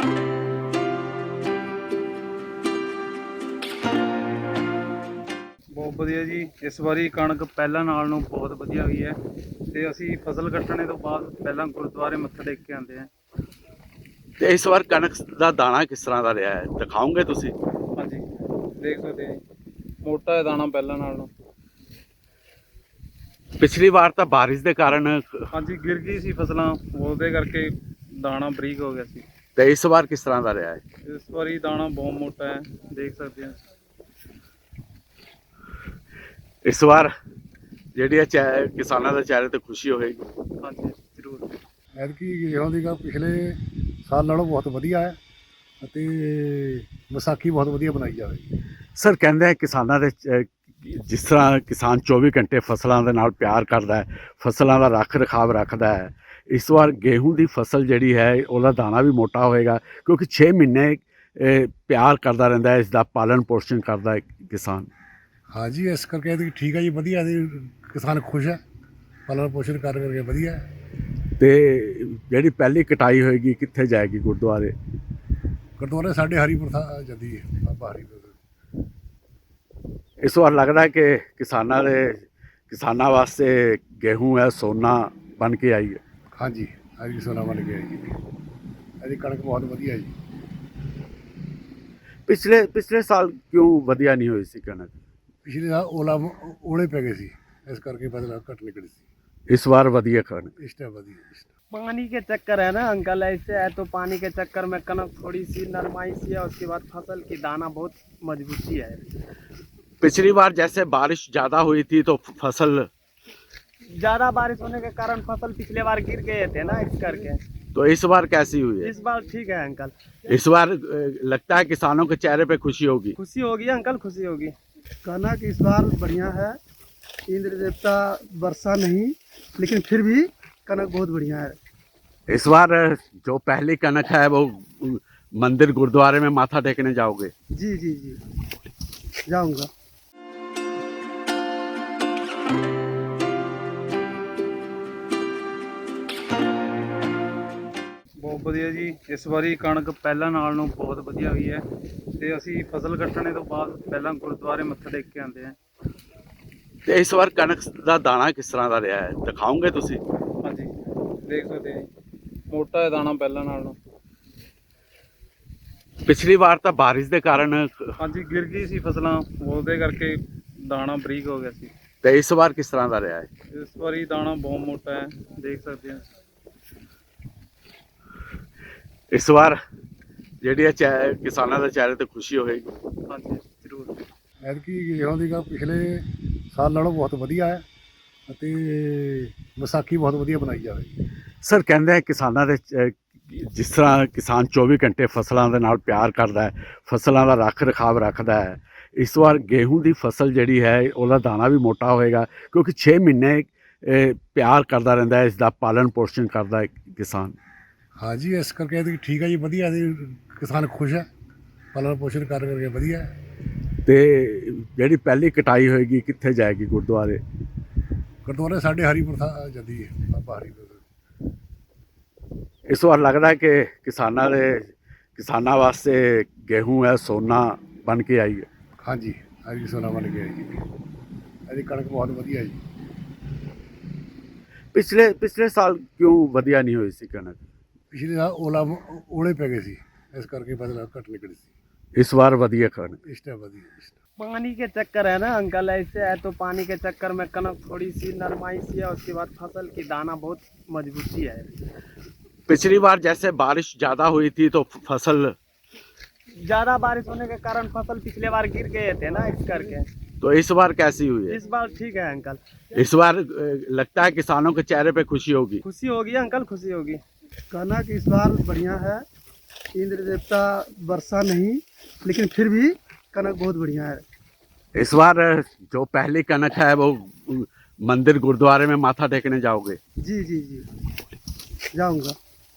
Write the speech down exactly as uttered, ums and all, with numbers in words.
ਬਹੁਤ ਵਧੀਆ ਜੀ। ਇਸ ਵਾਰੀ ਕਣਕ ਪਹਿਲਾਂ ਨਾਲ ਨੂੰ ਬਹੁਤ ਵਧੀਆ ਹੋਈ ਹੈ ਤੇ ਅਸੀਂ ਫਸਲ ਕੱਟਣੇ ਤੋਂ ਬਾਅਦ ਪਹਿਲਾਂ ਗੁਰਦੁਆਰੇ ਮੱਥਾ ਟੇਕ ਕੇ ਆਉਂਦੇ ਹਾਂ। ਤੇ ਇਸ ਵਾਰ ਕਣਕ ਦਾ ਦਾਣਾ ਕਿਸ ਤਰ੍ਹਾਂ ਦਾ ਰਿਹਾ ਹੈ, ਦਿਖਾਓਗੇ ਤੁਸੀਂ? ਹਾਂਜੀ, ਦੇਖ ਸਕਦੇ ਹਾਂ ਮੋਟਾ ਹੈ ਦਾਣਾ ਪਹਿਲਾਂ ਨਾਲ ਨੂੰ। ਪਿਛਲੀ ਵਾਰ ਤਾਂ ਬਾਰਿਸ਼ ਦੇ ਕਾਰਨ ਹਾਂਜੀ ਗਿਰ ਗਈ ਸੀ ਫਸਲਾਂ, ਉਹਦੇ ਕਰਕੇ ਦਾਣਾ ਬਰੀਕ ਹੋ ਗਿਆ ਸੀ। ਤੇ ਇਸ ਵਾਰ ਕਿਸ ਤਰ੍ਹਾਂ ਦਾ ਰਿਹਾ ਹੈ? ਇਸ ਵਾਰੀ ਦਾਣਾ ਬਹੁਤ ਮੋਟਾ ਹੈ, ਦੇਖ ਸਕਦੇ ਹਾਂ। ਇਸ ਵਾਰ ਜਿਹੜੀ ਹੈ ਚੈ- ਕਿਸਾਨਾਂ ਦੇ ਚਿਹਰੇ ਤੇ ਖੁਸ਼ੀ ਹੋਏਗੀ। ਹਾਂਜੀ ਜ਼ਰੂਰ। ਐਤਕੀ ਗੇਹੂੰ ਦੀ ਗਾ ਪਿਛਲੇ ਸਾਲ ਨਾਲੋਂ ਬਹੁਤ ਵਧੀਆ ਹੈ ਅਤੇ ਵਿਸਾਖੀ ਬਹੁਤ ਵਧੀਆ ਬਣਾਈ ਜਾਵੇਗੀ। ਸਰ ਕਹਿੰਦੇ ਆ ਕਿਸਾਨਾਂ ਦੇ ਚ- ਜਿਸ ਤਰ੍ਹਾਂ ਕਿਸਾਨ ਚੌਵੀ ਘੰਟੇ ਫਸਲਾਂ ਦੇ ਨਾਲ ਪਿਆਰ ਕਰਦਾ ਹੈ, ਫਸਲਾਂ ਦਾ ਰੱਖ ਰਖਾਵ ਰੱਖਦਾ ਹੈ, ਇਸ ਵਾਰ ਗੇਹੂੰ ਦੀ ਫਸਲ ਜਿਹੜੀ ਹੈ ਉਹਦਾ ਦਾਣਾ ਵੀ ਮੋਟਾ ਹੋਏਗਾ ਕਿਉਂਕਿ ਛੇ ਮਹੀਨੇ ਇਹ, ਪਿਆਰ ਕਰਦਾ ਰਹਿੰਦਾ ਹੈ, ਇਸ ਦਾ ਪਾਲਣ ਪੋਸ਼ਣ ਕਰਦਾ ਹੈ ਕਿਸਾਨ। ਹਾਂਜੀ ਇਸ ਕਰਕੇ ਐਤਕੀ ਠੀਕ ਹੈ ਜੀ, ਵਧੀਆ ਇਹਦੀ ਕਿਸਾਨ ਖੁਸ਼ ਹੈ, ਪਾਲਣ ਪੋਸ਼ਣ ਕਰ ਕਰਕੇ ਵਧੀਆ ਹੈ। ਤੇ ਜਿਹੜੀ ਪਹਿਲੀ ਕਟਾਈ ਹੋਏਗੀ ਕਿੱਥੇ ਜਾਏਗੀ? ਗੁਰਦੁਆਰੇ। ਗੁਰਦੁਆਰੇ ਸਾਡੇ ਹਰੀਪੁਰ ਥਾ ਜਾਂਦੀ ਹੈ, ਬਾਬਾ ਹਰੀਪੁਰ। ਇਸ ਵਾਰ ਲੱਗਦਾ ਹੈ ਕਿ ਕਿਸਾਨਾਂ ਦੇ ਕਿਸਾਨਾਂ ਵਾਸਤੇ ਗੇਹੂੰ ਹੈ ਸੋਨਾ ਬਣ ਕੇ ਆਈ ਹੈ। ਹਾਂਜੀ ਹਰੀ ਸੋਨਾ ਬਣ ਗਿਆ ਜੀ, ਇਹਦੀ ਕਣਕ ਬਹੁਤ ਵਧੀਆ ਜੀ। ਪਿਛਲੇ ਪਿਛਲੇ ਸਾਲ ਕਿਉਂ ਵਧੀਆ ਨਹੀਂ ਹੋਈ ਸੀ ਕਣਕ? ਪਿਛਲੇ ਸਾਲ ਓਲਾ ਓਲੇ ਪੈ ਗਏ ਸੀ, ਇਸ ਕਰਕੇ ਫਸਲ ਘੱਟ ਨਿਕਲੀ ਸੀ। ਇਸ ਵਾਰ ਵਧੀਆ ਕਣਕ। ਇਸ ਟਾਈਮ ਵਧੀਆ ਇਸ time। पानी के चक्कर है ना अंकल, ऐसे है तो पानी के चक्कर में कनक थोड़ी सी नरमाई सी है, उसके बाद फसल की दाना बहुत मजबूती है। पिछली बार जैसे बारिश ज़्यादा हुई थी तो फसल, ज़्यादा बारिश होने के कारण फसल पिछले बार गिर गए थे ना, इस करके। तो इस बार कैसी हुई है? इस बार ठीक है अंकल। इस बार अ, लगता है किसानों के चेहरे पे खुशी होगी। खुशी होगी अंकल, खुशी होगी। कनक इस बार बढ़िया है, इंद्र देवता वर्षा नहीं, लेकिन फिर भी कनक बहुत बढ़िया है। इस बार जो पहली कनक है वो मंदिर गुरुद्वारे में माथा टेकने जाओगे? जी जी जी जाऊंगा। ਬਹੁਤ ਵਧੀਆ ਜੀ। ਇਸ ਵਾਰੀ ਕਣਕ ਪਹਿਲਾਂ ਨਾਲ ਨੂੰ ਬਹੁਤ ਵਧੀਆ ਹੋਈ ਹੈ ਤੇ ਅਸੀਂ ਫਸਲ ਕੱਟਣੇ ਤੋਂ ਬਾਅਦ ਪਹਿਲਾਂ ਗੁਰਦੁਆਰੇ ਮੱਥਾ ਟੇਕ ਕੇ ਆਉਂਦੇ ਹਾਂ। ਤੇ ਇਸ ਵਾਰ ਕਣਕ ਦਾ ਦਾਣਾ ਕਿਸ ਤਰ੍ਹਾਂ ਦਾ ਰਿਹਾ ਹੈ, ਦਿਖਾਓਗੇ ਤੁਸੀਂ? ਹਾਂਜੀ ਦੇਖ ਸਕਦੇ ਹਾਂ ਮੋਟਾ ਹੈ ਦਾਣਾ ਪਹਿਲਾਂ ਨਾਲ ਨੂੰ। ਪਿਛਲੀ ਵਾਰ ਤਾਂ ਬਾਰਿਸ਼ ਦੇ ਕਾਰਨ ਹਾਂਜੀ ਗਿਰ ਗਈ ਸੀ ਫਸਲਾਂ, ਉਹਦੇ ਕਰਕੇ ਦਾਣਾ ਬਰੀਕ ਹੋ ਗਿਆ ਸੀ। ਤੇ ਇਸ ਵਾਰ ਕਿਸ ਤਰ੍ਹਾਂ ਦਾ ਰਿਹਾ ਹੈ? ਇਸ ਵਾਰੀ ਦਾਣਾ ਬਹੁਤ ਮੋਟਾ ਹੈ, ਦੇਖ ਸਕਦੇ ਹਾਂ। ਇਸ ਵਾਰ ਜਿਹੜੀ ਹੈ ਚੈ- ਕਿਸਾਨਾਂ ਦੇ ਚਿਹਰੇ ਤੇ ਖੁਸ਼ੀ ਹੋਏਗੀ। ਹਾਂਜੀ ਜ਼ਰੂਰ। ਐਤਕੀ ਗੇਹੂੰ ਦੀ ਗਾ ਪਿਛਲੇ ਸਾਲ ਨਾਲੋਂ ਬਹੁਤ ਵਧੀਆ ਹੈ ਅਤੇ ਵਿਸਾਖੀ ਬਹੁਤ ਵਧੀਆ ਬਣਾਈ ਜਾਵੇਗੀ। ਸਰ ਕਹਿੰਦੇ ਆ ਕਿਸਾਨਾਂ ਦੇ ਚ- ਜਿਸ ਤਰ੍ਹਾਂ ਕਿਸਾਨ ਚੌਵੀ ਘੰਟੇ ਫਸਲਾਂ ਦੇ ਨਾਲ ਪਿਆਰ ਕਰਦਾ ਹੈ, ਫਸਲਾਂ ਦਾ ਰੱਖ ਰਖਾਵ ਰੱਖਦਾ ਹੈ, ਇਸ ਵਾਰ ਗੇਹੂੰ ਦੀ ਫਸਲ ਜਿਹੜੀ ਹੈ ਉਹਦਾ ਦਾਣਾ ਵੀ ਮੋਟਾ ਹੋਏਗਾ ਕਿਉਂਕਿ ਛੇ ਮਹੀਨੇ ਇਹ, ਪਿਆਰ ਕਰਦਾ ਰਹਿੰਦਾ ਹੈ, ਇਸ ਦਾ ਪਾਲਣ ਪੋਸ਼ਣ ਕਰਦਾ ਹੈ ਕਿਸਾਨ। ਹਾਂਜੀ ਇਸ ਕਰਕੇ ਐਤਕੀ ਠੀਕ ਹੈ ਜੀ, ਵਧੀਆ ਇਹਦੀ ਕਿਸਾਨ ਖੁਸ਼ ਹੈ, ਪਾਲਣ ਪੋਸ਼ਣ ਕਰ ਕਰਕੇ ਵਧੀਆ ਹੈ। ਤੇ ਜਿਹੜੀ ਪਹਿਲੀ ਕਟਾਈ ਹੋਏਗੀ ਕਿੱਥੇ ਜਾਏਗੀ? ਗੁਰਦੁਆਰੇ। ਗੁਰਦੁਆਰੇ ਸਾਡੇ ਹਰੀਪੁਰ ਥਾ ਜਾਂਦੀ ਹੈ, ਬਾਬਾ ਹਰੀਪੁਰ। ਇਸ ਵਾਰ ਲੱਗਦਾ ਹੈ ਕਿ ਕਿਸਾਨਾਂ ਦੇ ਕਿਸਾਨਾਂ ਵਾਸਤੇ ਗੇਹੂੰ ਹੈ ਸੋਨਾ ਬਣ ਕੇ ਆਈ ਹੈ। ਹਾਂਜੀ ਹਰੀ ਸੋਨਾ ਬਣ ਗਿਆ ਜੀ, ਇਹਦੀ ਕਣਕ ਬਹੁਤ ਵਧੀਆ ਜੀ। ਪਿਛਲੇ ਪਿਛਲੇ ਸਾਲ ਕਿਉਂ ਵਧੀਆ ਨਹੀਂ ਹੋਈ ਸੀ ਕਣਕ? ਪਿਛਲੇ ਸਾਲ ਓਲਾ ਓਲੇ ਪੈ ਗਏ ਸੀ, ਇਸ ਕਰਕੇ ਫਸਲ ਘੱਟ ਨਿਕਲੀ ਸੀ। ਇਸ ਵਾਰ ਵਧੀਆ ਕਣਕ। ਇਸ ਟਾਈਮ ਵਧੀਆ ਇਸ time। पानी के चक्कर है ना अंकल, ऐसे है तो पानी के चक्कर में कनक थोड़ी सी नरमाई सी है, उसके बाद फसल की दाना बहुत मजबूती है। पिछली बार जैसे बारिश ज़्यादा हुई थी तो फसल, ज़्यादा बारिश होने के कारण फसल पिछले बार गिर गए थे ना, इस करके। तो इस बार कैसी हुई है? इस बार ठीक है अंकल। इस बार अ, लगता है किसानों के चेहरे पे खुशी होगी। खुशी होगी अंकल, खुशी होगी। कनक इस बार बढ़िया है, इंद्र देवता वर्षा नहीं, लेकिन फिर भी कनक बहुत बढ़िया है। इस बार जो पहली कनक है वो मंदिर गुरुद्वारे में माथा टेकने जाओगे? जी जी जी जाऊंगा।